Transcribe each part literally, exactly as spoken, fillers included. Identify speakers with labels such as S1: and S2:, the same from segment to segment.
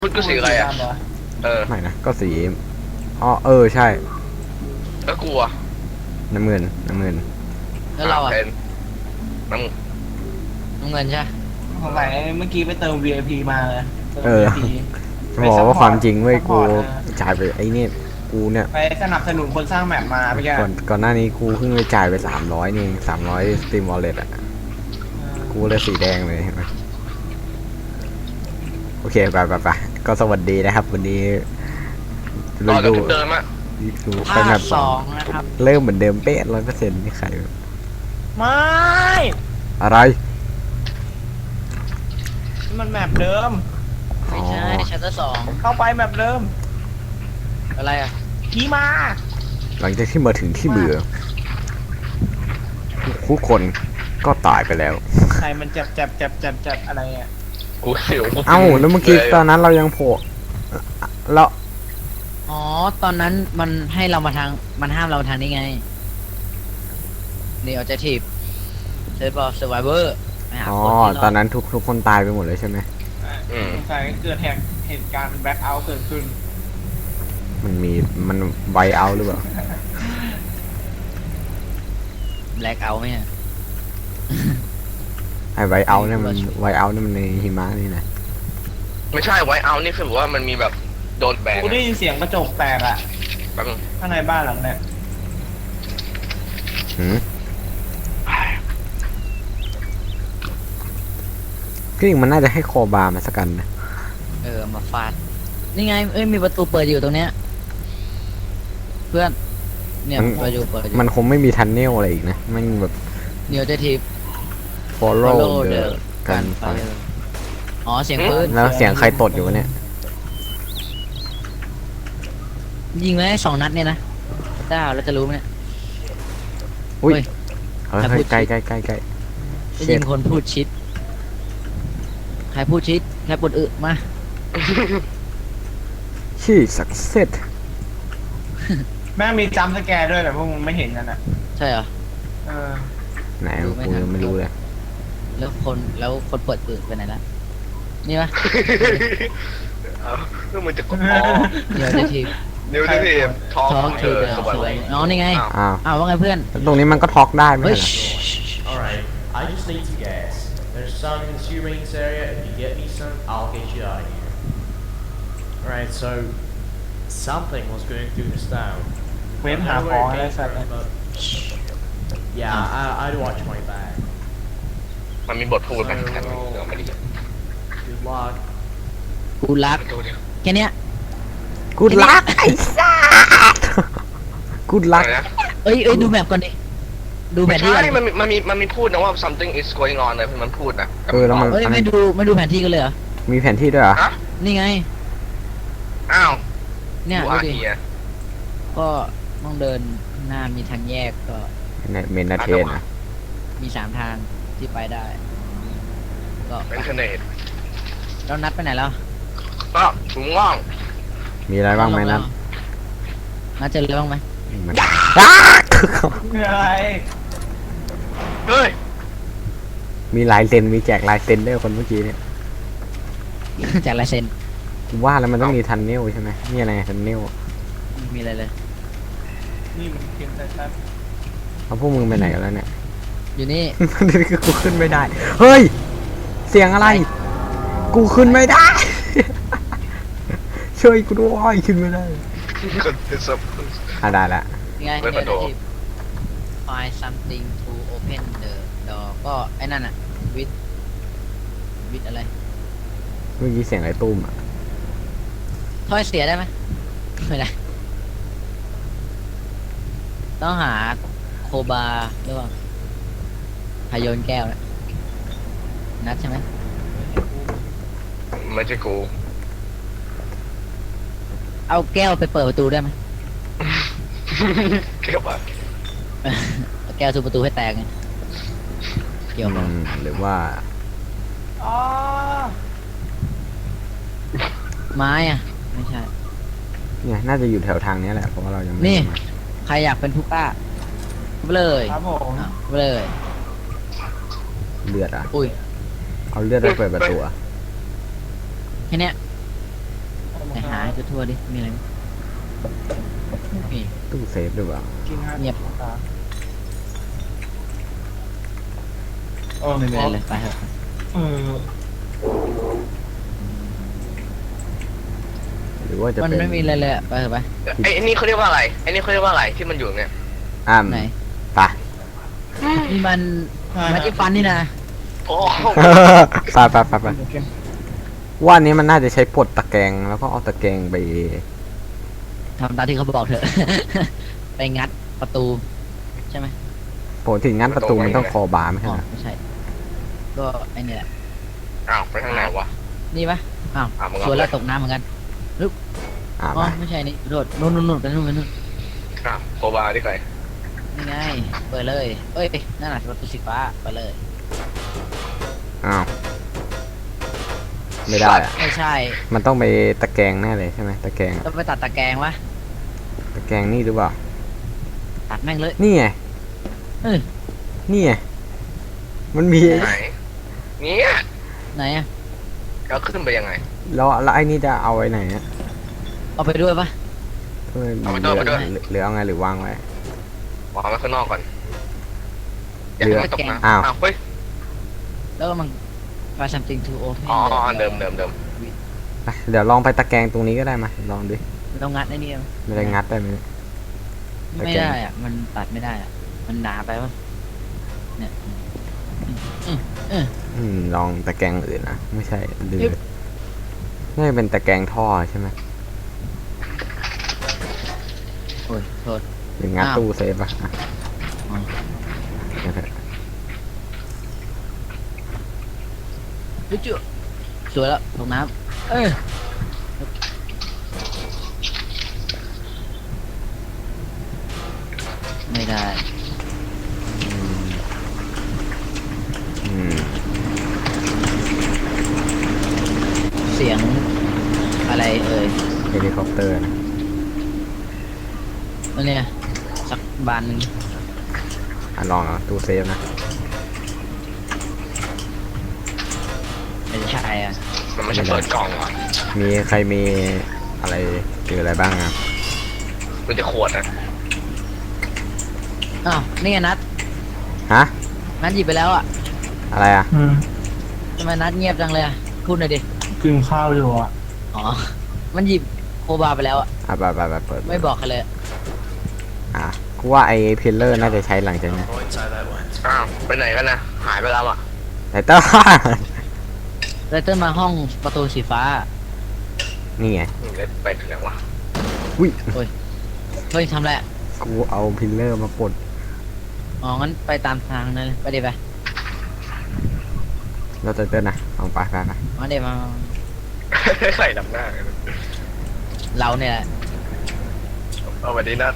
S1: พุทธก็สีอะไรอ่ะเออ
S2: ไม่นะก็สีอ๋อเออใช่
S1: แล้วกลัว
S2: น้ำเงินน้ำเงิน
S3: แล้วเราอ่ะ
S1: เป็นน้
S3: น้ำเงินใช่
S4: สงสัยเมื่อกี้ไปเติม วี ไอ พี มาเลย
S2: เออจะบอกว่าความจริงเว้ยกูจ่ายไปไอ้นี่กูเนี่ย
S4: ไปสนับสนุนคนสร้างแมปมาไปแก
S2: ก่อนก่อนหน้านี้กูเพิ่งไปจ่ายไปสามร้อยนี่สามร้อยสตรีมวอลเล็ตอ่ะกูเลยสีแดงเลยเห็นไหมโอเคไปไปไปก็สวัสดีนะครับวันนี้
S1: ำต่อจาก
S2: ดู
S1: จุดเดิมอ่ะ
S2: ดูไป
S3: ภา
S2: แบ
S3: ค
S2: บ
S3: สองนะครับ
S2: เริ่มเหมือนเดิมเป๊ะร้อยเปอร์เซ็นต์นี่ใคร
S4: ไม่
S2: อะไร
S4: นี่มันแมปเดิม
S2: อ๋
S3: ไม่
S2: อ
S3: ใช่ชัตเตอร์สอง
S4: เข้าไปแมปเดิม
S3: อะไรอ่ะ
S4: ขี่มา
S2: หลังจากที่มาถึงที่เบื่อทุกคนก็ตายไปแล้ว
S4: ใครมันจับจับจับจับจับอะไรอ่ะ
S1: กูเสียว
S2: เอ้าแล้วเมื่อกี้ตอนนั้นเรายังโผล่แล้ว
S3: อ๋อตอนนั้นมันให้เรามาทางมันห้ามเราทางนี้ไงนี่ออเจทีฟเซฟบอลเซอร์ไวเวอร์
S2: อ๋อตอนนั้นทุกทุกคนตายไปหมดเลยใช่ไหม
S4: สงสัยเกิดเหตุเหตุการณ์แบ็คเอาท์เกิดขึ้น
S2: มันมีมันไวเอาหรือเปล่า
S3: แบล็กเอาไหมอ่ะ
S2: ไอไวเอาเนี่ยมันไวเอาเนี่ยมันในหิมะนี่นะ
S1: ไม่ใช่ไว้เอานี่คือแบบว่ามันมีแบบโดนแบน
S4: กูได้ยินเสียงกระจกแตกอ่ะ
S1: แป๊บนึง
S4: ข้างในบ้านหลังเนี่ย
S2: หืมก็ยังมันน่าจะให้คอบาร์มาสักกันนะ
S3: เออมาฟาดนี่ไงเอ้ยมีประตูเปิดอยู่ตรงเนี้ยเพื่อนเนี่ยประตูเปิดอยู่
S2: มันคงไม่มีทันเนลอะไรอีกนะมันแบบ
S3: นี่ออเจทีฟ
S2: follow
S3: follow
S2: the
S3: the
S2: กันไฟ
S3: อ๋อเสียงปืน
S2: แล้วเสียงใครตดอยู่วะเนี่ย
S3: ยิงไว้สองนัดเนี่ยนะเจ้าเราจะรู้ไหมเนี่ย
S2: อุ้ย
S3: เฮ้ย
S2: เฮ้ย
S3: ใคร
S2: เฮ้ย
S3: พูด
S2: ใกล้ใกล้ใกล้ใกล้
S3: จะ
S2: เช็
S3: ยิ
S2: ด
S3: งคนพูดชิด ใครพูดชิด ใครปวดอึมา
S2: ชี่สักเซต
S4: แม่งมีจัมป์สแกร์ด้วยแต่พวกมึงไม่เห็นกันอ่ะ
S3: ใช่เหรอ
S4: เออ
S2: ไหน
S3: ดูไม่
S2: กู
S3: ทัน
S2: ยังไม่รู้เลย
S3: แล้วคนแล้วคนเปิดอึไปไหนละนี่ปะ
S1: เอาเรื่องมันจะกดอ๋อ
S3: เดี๋ยวจะที
S1: นิวที่ท้อง
S3: ท้อง
S1: เอ
S3: คือ
S1: อ
S3: เดิม
S1: สวัส
S3: สวย
S1: ดี
S3: อ๋อนี่ไง
S1: อ้าว
S2: อ้าว
S3: อ้าวว่าไงเพื่อน
S2: แล้วตรงนี้มันก็ท็อกได้ไหม
S3: เฮ้ย
S2: ล่ะ
S5: Alright, I just need to guess. There's some in the two rings area. If you get me some, I'll get you out of here. Alright, so something was going through this town.
S4: เว้น
S5: I
S4: หา
S5: don't
S4: ข
S5: know
S4: อง
S5: where
S4: อะไร
S5: it came
S4: สัตว์
S5: from, but yeah, I, I'd watch my back.
S1: มันมีบทพูดไหมแค่นี้เดี๋ยวไม่ได้ยิน
S5: Good luck.
S3: กูรัก
S1: ดูดิ
S3: แค่เนี้ย
S2: กูรักไอ้สัสกูรัก
S1: อะไรนะ
S3: เอ้ยเอ้ยดูแมปก่อนดิ ดูแผ
S1: ไม่
S3: นที่ก่อ
S1: ใช่
S3: น
S1: มันมีมันมีมันมีพูดนะว่า something is going on เลยมันพูดนะ
S2: เออแล้วมัน
S3: เอ้ยไม่ดูไม่ดูแผนที่กันเลยเหรอ
S2: มีแผนที่ด้วยเหรอ
S1: ฮะ
S3: นี่ไง
S1: อ้าว
S3: เนี่ย
S1: ดู
S3: ดู
S1: อา
S3: ดิ
S1: เฮีย
S3: ก็ต้องเดินข้างหน้ามีทางแยกก็
S2: เมนนาเทนอะ
S3: มีสามทางที่ไปได้ ก็
S1: เป็นเทอร์เนต
S3: แล้วนัดไปไหนแล้ว
S1: ก็ถุงง่อง
S2: มีอะไรบ้างไหมนัท
S3: นัดเจออะไรบ้างไหม
S2: มันอ้า
S4: อะไร
S1: เฮ้ย
S2: มีลายเซ็นมีแจกลายเซ็นด้วยคนเมื่อกี้เนี่ย
S3: จากลายเซ็น
S2: กูว่าแล้วมันต้องมีทันเนลใช่ไหมนี่อะไรทันเนล
S3: มีอะไรเลย
S4: นี่มันเกมชัด
S2: เอาพวกมึงไปไหนกันแล้วเนี่ย
S3: อยู่นี่
S2: นี่คือกูขึ้นไม่ได้ เฮ้ย เสียงอะไร กูขึ้นไม่ได้ ช่วยกูด้วยขึ้นไม่ได้
S1: คนเป็นสับ
S2: อ่ะได้ละ
S3: ยังไง
S1: เว็บประตู
S3: เนี่ย find something to open the door ก็ไอ้นั่นอะ with with อะไร
S2: เมื่อกี้เสียงอะไรตุ้มอ่ะ
S3: ถ้อยเสียได้ไหมไม่ได้ ต้องหาโคบาหรือเปล่าพายนแก้วนะนัดใช่ไหม
S1: ไม่ใช่กู
S3: เอาแก้วไปเปิดประตูได้ไหม
S1: เกี่ยวปะ
S3: เอาแก้วทุบประตูให้แตกไงเกี่ยวกับ
S2: อืมหรือว่า
S4: ๆอ๋อ
S3: ไม้อะไม่ใช่
S2: เนี่ยน่าจะอยู่แถวทางนี้แหละเพราะว่าเรายังไม่
S3: นี่
S2: ได้มา
S3: ใครอยากเป็นผู้กล้าไปเลย
S4: ครับผม
S3: อ้าวไปเลย
S2: เลือดอ่ะ
S3: อุ้ย
S2: เอาเลือดไปเปิดประตูอะ
S3: แค่เนี้ยให้ทั่วๆดิมีอะไรไหมไม่มี
S2: ตู้เซฟหรือเปล่า
S4: กินห้า
S3: เงียบ
S4: ตาโอ้ไม่
S3: ไม่
S4: มี
S3: เลยไปเถอะ
S4: เออ
S2: หรือว่าจะ
S3: มัน
S2: เป็น
S3: ไม่มีอะไรเลยอะไปเถอะไป
S1: ไอ้ไอ้นี่เขาเรียกว่าอะไรไอ้นี่เขาเรียกว่าอะไรที่มันอยู่เนี่ย
S2: อ้าม
S3: ไหน
S2: ไป
S3: นี่มันแมจิฟันนี่นะ
S1: โอ้
S2: ไปไปไปไปว่าอันนี้มันน่าจะใช้ปลดตะแกรงแล้วก็เอาตะแกรงไป
S3: ทำตามที่เขาบอกเถอะ ไปงัดประตูใช่ไหม
S2: ปกติงั้นประตูมันต้องคอบาร์ไม่
S3: อ๋
S2: ใช่
S3: อ
S2: เหรอ
S3: ไม่ใช่ ก็ไอ้นี่แหละ
S1: อ้าวไปทางไหนวะ
S3: นี่ปะอ้าว
S1: อ่ะมึงเอา
S3: สวนแล้ว
S1: ไป
S3: ตกน้ำเหมือนกัน
S2: อ่า
S3: อ๋
S2: ไป
S3: อไม่ใช่นี่โดดนู่นนู่นนู่นไปนู่นไปนู่น
S1: อ้าวโคบาที่ใคร
S3: นี่ไงเปิดเลยเอ้ยนั่นแหละประตูสีฟ้าไปเลย
S2: อ้าวไม่ได้อะ
S3: ไม่ใช่
S2: มันต้องไปตะแกรงแน่เลยใช่ไหมตะแกรงอะ
S3: ต้องไปตัดตะแกรงวะ
S2: ตะแกรงนี่หรือเปล่า
S3: ตัดแม่งเลย
S2: นี่ไง
S3: เออ
S2: นี่ไงมันมี
S1: ไหนเนี่ย
S3: ไหนอะ
S1: เราขึ้นไปยังไง
S2: แล้วแล้วไอ้นี่จะเอาไว้ไหนอะ
S3: เอาไปด้วยปะ
S2: เออ
S1: เอาไปด้วยเอาไปด้วย
S2: หรือหรือเอาไงหรือวางไว้
S1: วางไว้ข้างนอกก่อนอย่าให้มันตกน้ำ
S2: อ้าว
S1: เฮ้ย
S3: แล้วก็มัน try something to open
S1: อ๋ออ๋อเดิมเดิมเดิม
S2: ไปเดี๋ยวลองไปตะแกรงตรงนี้ก็ได้มาลองดู
S3: เรางัดไอ้นี่เอา
S2: ไม่ได้งัดได้ไหม ตะ
S3: ไม่
S2: แกรง
S3: ได้อะมันตัดไม่ได้อะมันหนาไปปะเนี่ยอืมอืม
S2: อืมลองตะแกรงอื่นนะไม่ใช่หรือ
S3: ยึบ
S2: น่าจะเป็นตะแกรงท่อใช่ไหม
S3: โอ้ยโทษ
S2: หรืองัด
S3: อ้าว
S2: ตู้เซฟอะอ่ะ
S3: อ๋อ
S2: งั้นเถอะ
S3: จุ๊จุ๊สวยแล้วตกน้ำเอ้ยไม่ได้
S2: อืม
S3: เสียงอะไรเอ่ย
S2: เฮลิคอปเตอร์นะ
S3: แล้วเนี่ยสักบานหนึ่ง
S2: อ่ะลองเอาตู้เซฟนะ
S3: ไม่ใช่อ่ะ
S1: มันไม่ใช่เปิดกล่องว่ะ
S2: มีใครมีอะไรเจออะไรบ้างครับ
S1: มันจะขวดนะ
S3: อ้าวนี่ไงนัด
S2: ฮะ
S3: นัดหยิบไปแล้วอ่ะ
S2: อะไรอ่ะ
S4: อืม
S3: ทำไมนัดเงียบจังเลยอ่ะพูดหน่อยดิ
S4: กินข้าวอยู่อ่ะ
S3: อ๋อมันหยิบโคบาไปแล้วอ่ะ
S2: อ่ะไปไปไปเปิด
S3: ไม่บอกใครเลย
S2: อ่ะกูว่าไอ้เพลเลอร์น่าจะใช้หลังจากนี้
S1: อ้าวไปไหนกันนะหายไปแล้วอ่ะ
S2: ไตเติ้ล
S3: เลเตอร์มาห้องประตูสีฟ้า
S2: นี่ไง
S1: นี่เลยไปถึงไหนวะ
S2: อุ้ย
S3: เฮ้ยทำไรอะ
S2: กูเอาพิลเลอร์มาปลด
S3: อ๋องั้นไปตามทางนั้นเลยไปเดี๋ยวไป
S2: เราจะเต้นนะลองไปไปไป
S3: มาเดี๋ยวมา
S1: ใส่ดำหน้ากัน
S3: เราเนี่ยแหละ
S1: เอาวันนี้นะ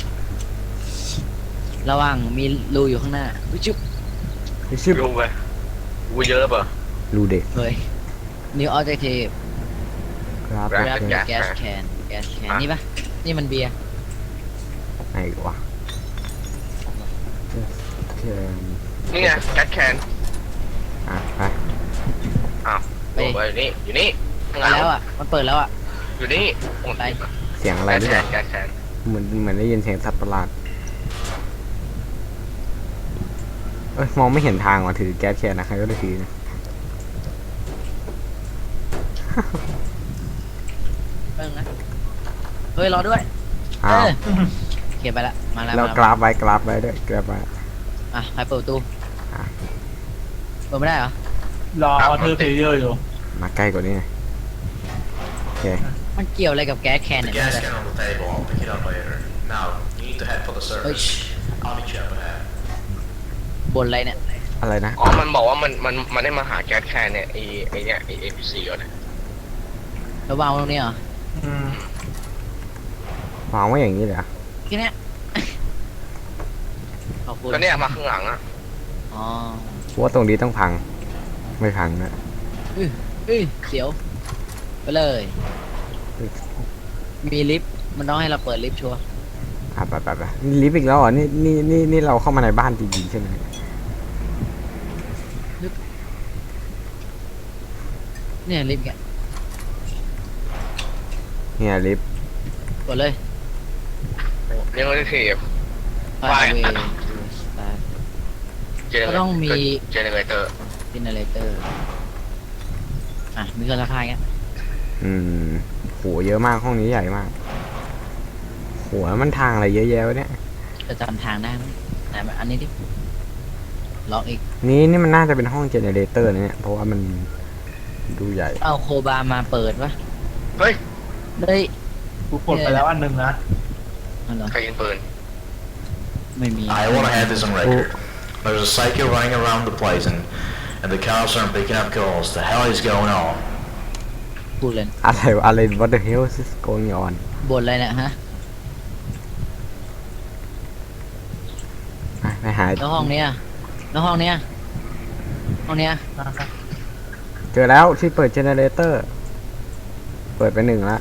S3: ระหว่างมีรูอยู่ข้างหน้าอุ๊ยจุ๊บ
S2: ไอ้ชิบ
S1: ลงไปกูเยอะเปล่า
S2: รูเด็ก
S3: เฮ้ย new objective
S2: ครับ
S1: แร
S3: grab
S1: ก แก๊ส
S3: gas can gas can
S1: อ่ะ
S3: นี่ปะนี่มันเบียร์
S2: ไอ้วะเชิญ
S1: นี่ไงแก๊สแคน
S2: อ่ะไป
S1: อ้าวลงไปอยู่นี่อยู่นี่ข้างห
S3: ไป
S1: ลัง
S3: แล้วอ่ะมันเปิดแล้วอ่ะ
S1: อยู่นี่โอ้
S3: ไป
S1: ย
S2: เสียงอะไร
S1: แก๊ส
S2: ด้วย
S1: แคนแก๊สแคน
S2: เหมือนเหมือนได้ยินเสียงสัตว์ประหลาดเอ้ยมองไม่เห็นทางว่ะถือแก๊สแคนนะใครก็ได้ถือนะ
S3: เพิ่งนะเฮ้ยรอด้วย
S2: อ้าว
S3: เออโอเคไปละมาแล้ว
S2: แล้ว
S3: มาก
S2: ราฟไว้กราฟไว้ด้วยกราฟไว้
S3: อ่ะใครเปิดประตู
S2: อ่ะ
S3: เปิดไม่ได้เหรอ
S4: รอออเทอร์เพลเยอร์อยู่
S2: มาใกล้กว่านี้หน่อยโอเค
S3: มันเกี่ยวอะไรกับแก๊สแคน
S6: The
S3: เนี่ย
S6: gas
S3: ไม่ได้
S6: can on the table. I'll pick it up later. Now, you need to head for the
S3: เฮ้ย
S6: surface. I'll meet you up ahead.
S3: บนอะไรเนี่ย
S2: อะไรนะ
S1: อ๋อมันบอกว่ามันมันมันได้มาหาแก๊สแคนเนี่ยไอไอเนี่ยไอเอพีซีก่อนนะ
S3: ระวางตรงนี้เหรอ
S4: อืม
S2: วางไว้อย่างนี้เลยเหรอ
S3: แค่เนี้ย ขอบคุณ
S1: ก็เนี่ยมาข้างหลังอ่ะ
S3: อ๋อ
S2: กูว่าตรงนี้ต้องพัง ไม่พังนะ
S3: เอ้ยเสียว ไปเลย มีลิฟต์ มันต้องให้เราเปิดลิฟต์ชัวร์
S2: อ่ะไปไปไปนี่ลิฟต์อีกแล้วเหรอนี่นี่นี่นี่เราเข้ามาในบ้านจริงๆใช่ไหม
S3: เนี่ยลิฟต์แก
S2: เนี่ยลิฟต์
S3: กดเลย
S1: ยังไม่ได้เทียบ
S3: ไฟ
S1: ไฟ
S3: เว
S1: อ่ะ
S3: สตาร์ท
S1: เจเน
S3: ก็ต้องมี
S1: เจเนเรเตอร์
S3: เจเนเรเตอร์อ่ะมีเครื่องซักผ้าอย่างเงี้ย
S2: อืมโหเยอะมากห้องนี้ใหญ่มากโหแล้วมันทางอะไรเยอะแยะวะเนี่ย
S3: จะจำทางได้ไหมไหนมาอันนี้ดิล็อกอีก
S2: นี่นี่มันน่าจะเป็นห้องเจเนเรเตอร์นะเนี่ยเพราะว่ามันดูใหญ่
S3: เอาโคบามาเปิดวะ
S1: เฮ้ย
S3: เฮ้ย
S4: กูกดไปแล้วอันหนึ่งนะ
S3: เอาเหรอ
S1: ใครยิงปืน
S3: ไม่มี
S6: I want to have this on record. There's a psycho running around the place and, and the cops aren't picking up calls. The hell is going on?
S3: พูดเลย
S2: อะไรวะอะไร what the hell is going on
S3: บนอะไรเนี่ยฮะ
S2: อ่ะไปหา
S3: แล้วห้องเนี้ยแล้วห้องเนี้ยห้องเนี้ย
S2: เจอแล้วที่เปิดเจเนเรเตอร์เปิดไปหนึ่งละ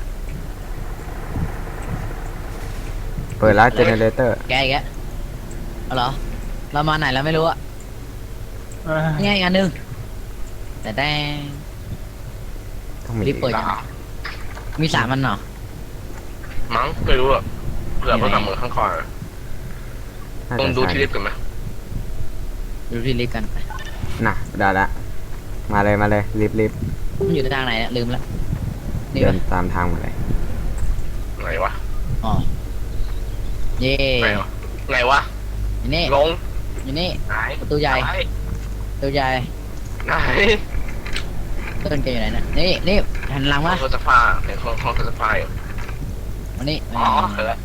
S2: เปิดแล้วเจเนเรเตอร์
S3: แกอีกแล้วเอาเหรอเรามาไหนแล้วไม่รู้อะ
S4: เออ
S3: นี่ไงอีกอันหนึงแต่แดง
S2: ต้องมี
S3: รีบเปิด
S1: ลา
S3: มีสามอันเหรอ
S1: มั้งไม่รู้อะเผื่อเขาทำมือข้างคอ
S2: น่า
S1: ต้อง
S2: จะ
S1: ดูที่
S2: ใช่
S1: ลิฟต์กันไหม
S3: ดูที่ลิฟต์กันไป
S2: น่ะได้ละมาเลยมาเลยรีบรีบ
S3: มันอยู่ทางไหนเนี่ยลืมละนี่
S2: เดิ
S3: ปะ
S2: นตามทางมาเลย
S1: ไหนวะ
S3: อ๋อเย่
S1: ไหนวะไหนวะ
S3: อยู่นี่
S1: ลง
S3: อยู่นี่
S1: ไหน
S3: ประตูใหญ่
S1: ไหน
S3: ประตูใหญ่
S1: ไหน
S3: ต้นแกอยู่ไหนเนี่ยนี่นี่หันหลัง
S1: ห้อ
S3: มาง
S1: เครื่องซักผ้าเห็นห้องห้องเครื่องซักผ้าอยู่
S3: มานี่
S1: อ๋อเห็นแล้ว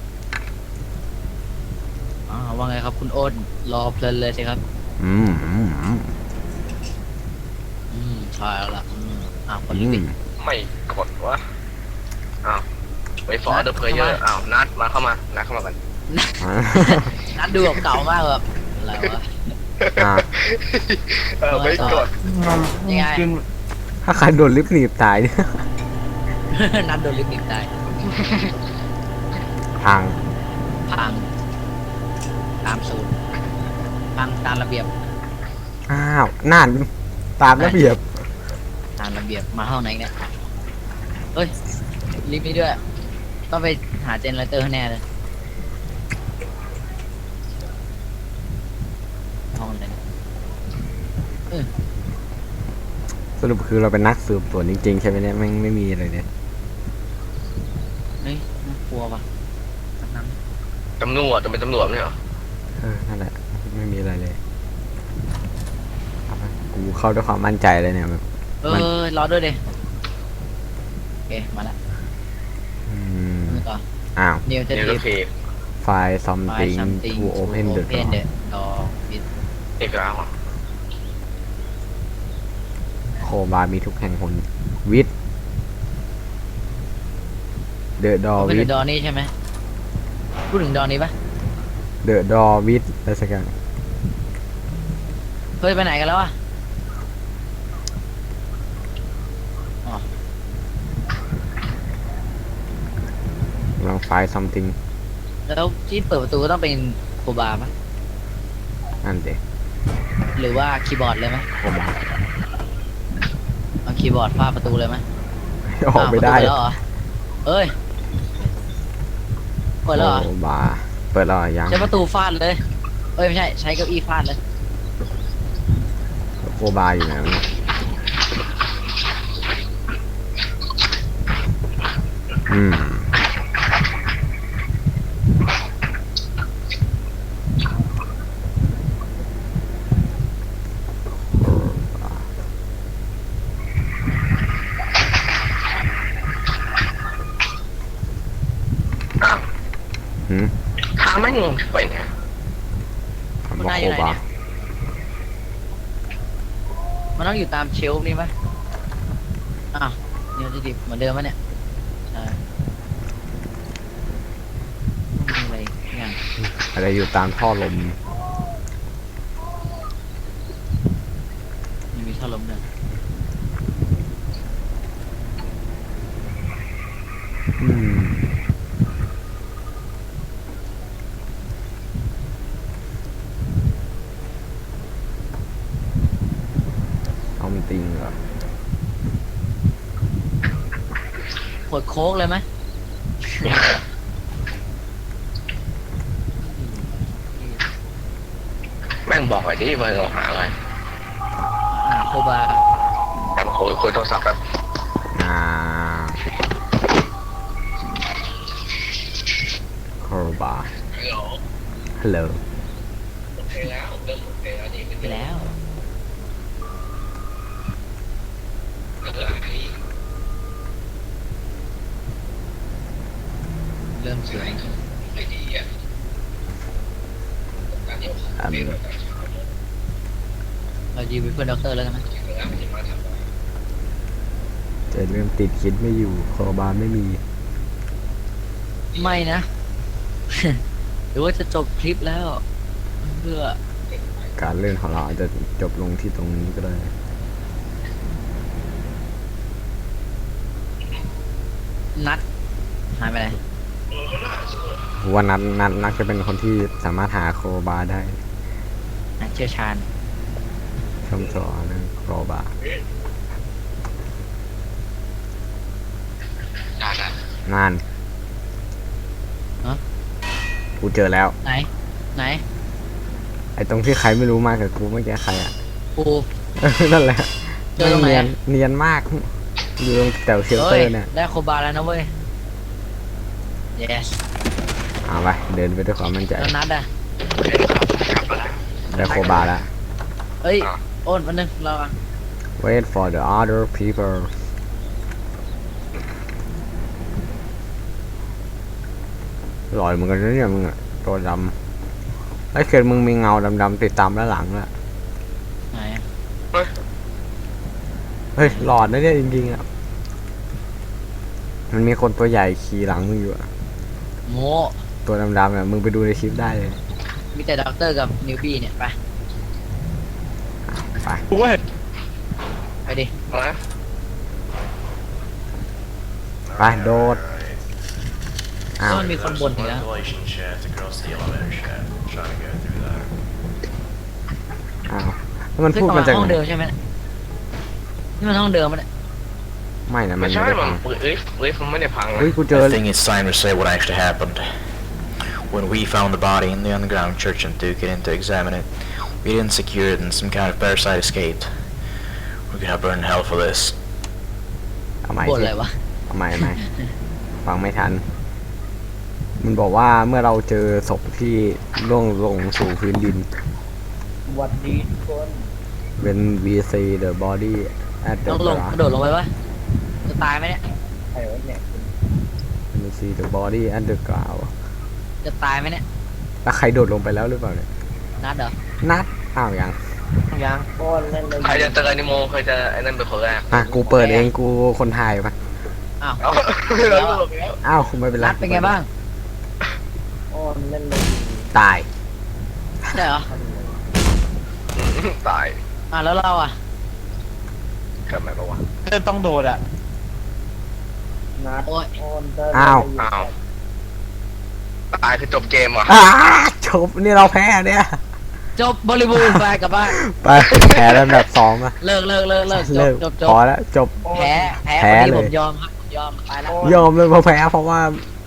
S3: อ๋อว่าไงครับคุณโอ๊ตรอเพลินเลยสิครับ
S2: อืมอืมอืม
S3: อืมใช่แล้วล่ะอืมอ้าวกด
S2: อื
S3: ลิฟต์
S2: ม
S3: ดิ
S1: ไม่กดวะอ้าวไปฟอร์เดอร์เพลเยอร์อ้าวนัดมาเข้ามานัดเข้ามากัน
S2: อ่า
S3: นัดดูแบบเก่ามากแบบอะไรวะ
S2: อ่า
S1: เออไม่กด
S3: ยังไง
S4: กิน
S2: ถ้าใครโดนลิฟต์หนีบตายเนี่ย
S3: นัดโดนลิฟต์หนีบได้
S2: ทาง
S3: พังตามสูตรพังตามระเบียบ
S2: อ้าวนั่นตามระเบียบ
S3: ตามระเบียบมาห้องไหนเนี่ยเฮ้ยลิฟต์นี้ด้วยต้องไปหาเจเนเรเตอร์ให้แน่เลยห้องไหนเนี่ย
S2: สรุปคือเราเป็นนักสืบสวนจริงๆใช่ไหมเนี่ยไม่งไม่มีอะไรเนี่ย
S3: เฮ้ยน่ากลัวว่ะนั่น
S1: ตำรวจจะเป็นตำรวจไม่เหรอ
S2: เออนั่นแหละไม่มีอะไรเลยเอาไปกูเข้าด้วยความมั่นใจเลยเนี่ยแบบ
S3: เออรอด้วยดิโอเคมาละ
S2: อืม
S3: มือต่อ
S2: อ้าว
S3: นิวเท
S1: นี่
S3: ที
S1: ก็
S3: ฟ
S1: เพย์
S2: ไฟล์ something
S3: something
S2: to open the
S3: open
S2: door
S3: the door with
S1: เอกลักษณ์อ่ะ
S2: โคบาร์มีทุกแห่งหนวิทเดอะดอ
S3: open
S2: วิ
S3: the
S2: ท
S3: door นี่ใช่ไหมพูดถึงดอนี้ปะ
S2: เดอะดอวิทอะไรสักอย่าง
S3: เฮ้ยไปไหนกันแล้วอะอ๋อ
S2: ลองไฟล์ something
S3: แล้วที่เปิดประตูก็ต้องเป็นโคบาปะ
S2: นั่นเด็ก
S3: หรือว่าคีย์บอร์ดเลยไหม
S2: โคบาร์
S3: เอาคีย์บอร์ดฟาดประตูเลยไหม
S2: ออกไม่ได้
S3: าวประตูเปิแล้วเหรอเอ้ยเปิดแล้วเหรอ
S2: โคบาร์เปิดแล้วเหรอยัง
S3: ใช้ประตูฟาดเลยเอ้ยไม่ใช่ใช้เก้าอี้ฟาดเลย
S2: โคบาร์อยู่ไหนวะเนี่ยอืมหืม
S1: ทางไม่งงไปไง
S2: บอกโคบาร์
S3: มันต้องอยู่ตามเชลฟ์นี่ปะอ้าวเนี่ยจะดิบเหมือนเดิมปะเนี่ยใช่มีอะไรอย่าง
S2: อะไรอยู่ตามท่อลม
S3: ยังมีท่อลมด้วย
S2: อืมเอามันติงเหรอ
S3: ขวดโค้กเลยไหม
S1: แม่งบอกหน่อยดิว่าเราหาอะไร
S3: อ่าโคบา
S1: แต่มาคุยคุยโทรศัพท์แบบ
S2: อ่าโคบา
S1: ฮัลโหล
S2: ฮัลโหล
S1: โอเคแล้วเริ่มโอเคแล้วนี่
S3: ไปแล้ว เริ่มสวย
S1: ไม่ดีอ่ะ
S2: อืม
S3: เรายืมเป็นเพื่อนด็อกเตอร์แล้วกันนะ
S2: จะเริ่มติดคิดไม่อยู่โคบาไม่มี
S3: ไม่นะ หรือว่าจะจบคลิปแล้วเพื่อ
S2: การเล่นของเราอาจจะจบลงที่ตรงนี้ก็ได้
S3: นัดหายไปไหน
S2: ว่านัดนัดนัดจะเป็นคนที่สามารถหาโคบาได้
S3: นัดเชี่ยวชาญ
S2: ชมสอนเรื่องโคบา
S1: ได้ได้
S2: งาน
S3: ฮะ
S2: กูเจอแล้ว
S3: ไหน ไหน
S2: ไอ้ตรงที่ใครไม่รู้มากับกูเมื่อกี้ใครอ่ะ
S3: ปู
S2: เออนั่นแหละ
S3: เจอตรงไหน
S2: เนียน
S3: อะ
S2: เนียนมาก อยู่ตรงแถวเชลเตอ
S3: เฮ้ย
S2: ร์เนี่ย
S3: ได้โคบาแล้วนะเว้ย yes
S2: เอาไปเดินไปด้วยความมั่นใจ
S3: แล้วนัดอ่ะ
S2: ได้โคบาแล้ว
S3: เอ้ย โอนวันนึงเราอ่ะ
S2: wait for the other people หล่อยเหมือนกันนะเนี่ยมึงอะตัวดำไอ้เกิดมึงมีเงาดำๆติดตามด้านหลังละ
S3: ไหนอะ
S2: เฮ้ยหลอดนะเนี่ยจริงๆอ่ะมันมีคนตัวใหญ่ขี่หลังมึงอยู่อะ
S3: โม
S2: ตัวดำๆเนี่ยมึงไปดูในคลิปได้เลย
S3: มีแต่ด็อกเตอร์กับนิวบี้เนี่ย ไป
S2: ไป
S4: กูก็เห็น
S3: ไปดิ
S1: อะไร
S2: ไปโดดอ้าว
S3: ก็มันมีคนบ่นอีกแล้ว
S5: Ventilation shaft across the elevator shaft. Trying to go through that.
S2: อ้าวแล้วมัน
S3: ซึ่ง
S2: พูด
S3: ประ
S2: มา
S3: มาณ
S2: จาก
S3: ห้อง
S2: ไหน
S3: เดิมใช่ไหมนี่มันห้องเดิมมันย
S2: ไม่นะมั
S1: ไม่
S2: น
S1: ใช่
S2: ไม่ได้
S1: มั
S2: พั
S1: น
S2: ง
S1: เอ้ยเอ้ยมันไม่ได้พังนะ
S2: เฮ้ยกูเจอ
S6: I think it's time to say what actually happened. When we found the body in the underground church and took it in to examine it, we didn't secure it and some kind of parasite escaped. We're gonna burn in hell for this.
S2: เอาใหม่
S3: บ่น
S2: สิ
S3: อะไรวะ
S2: เอาใหม่เอาใหม่ฟังไม่ทัน มันบอกว่าเมื่อเราเจอศพที่ล่วงลงสู่พื้นดิน
S3: วันดีคน
S2: when we see the body at the
S3: ต้องลงกระโดดลงไปปะจะตายไหมเนี่ย
S2: when we see the body at the ground
S3: จะตายไหมเนี่ย
S2: แล้วใครโดดลงไปแล้วหรือเปล่าเนี่ย
S3: นัดเหรอ
S2: นัดอ้าวยัง
S3: ยังโอนเล่นเลย
S1: ใครจะเจออนิโมใครจะไอ้นั่นเป็นคนแรก
S2: อ่ะกูเปิดเองกูคนถ่ายปะ
S3: อ้าว
S1: เอาแล้วหลบแล้ว
S2: อ้าวไม่เป็นไร
S3: นัดเป็นไงบ้าง
S2: ตาย
S3: ใช่เหรอ
S1: ตาย
S3: อ่ะแล้วเราอ่ะ
S1: กลับมาปะวะ
S4: เต้นต้องโดดอ่ะ
S3: โอ้ย
S2: อ้าว
S1: อ้าวตายคือจบเกมเหรอ
S2: อ้าจบนี่เราแพ้เนี่ย
S3: จบบริบูรณ์ไปกลับบ้าน
S2: ไปแพ้แล้วแบบสองอะ
S3: เลิกเลิกเลิกเลิกจ
S2: เลิ
S3: บ
S2: ก
S3: จบจ
S2: พอบ แล้วจบ
S3: แพ้แพ้
S2: แพ้
S3: วันนี้
S2: เลย
S3: ผมยอมครับผมยอมไปแล้ว
S2: ยอมเลยเพราะแพ้เพราะว่า